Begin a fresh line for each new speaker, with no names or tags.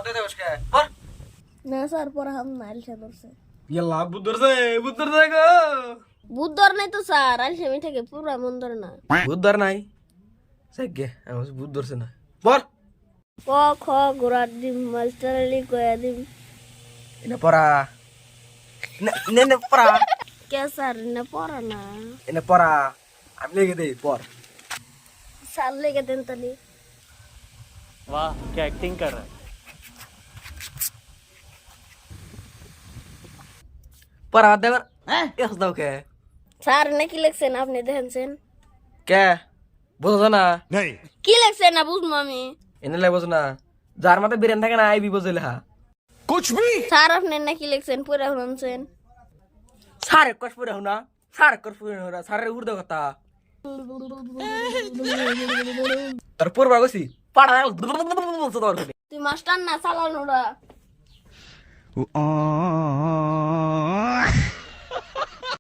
दे दे उसके पर
না স্যার পড়া হাম না আলসা ধরছে
यल्ला बुद्धर से गो
বুদ্ধর নাই তো স্যার আলসা মি থেকে পুরা মন ধরে না
बुद्धर नहीं सके हम बुद्धर से ना पर
ক খ গোড়ার ডিম মাস্টার আলী কয়া ডিম
ina para ina para
কে স্যার না পড়া না
ina para আমি লেগে দেই पर
স্যার লেগে দেন তালি
वाह क्या एक्टिंग कर रहा है
पर आदे कर यस दो के
স্যার না কি লিখছেন আপনি দেখেন
क्या বুঝছ না
কি লিখছেন না বুঝবো আমি
এনে লাই বুঝ না যার মাথা বিরেন থাকে না আইবি বুঝলে হা
স্যার আপনি না কি লিখছেন পুরা শুনছেন
সারে কস পুরে হনা সারে কস পুরে হনা সারে উর্দে কথা তার পূর্বা গছি পাড়া
তুই মাস্টার না চালানোরা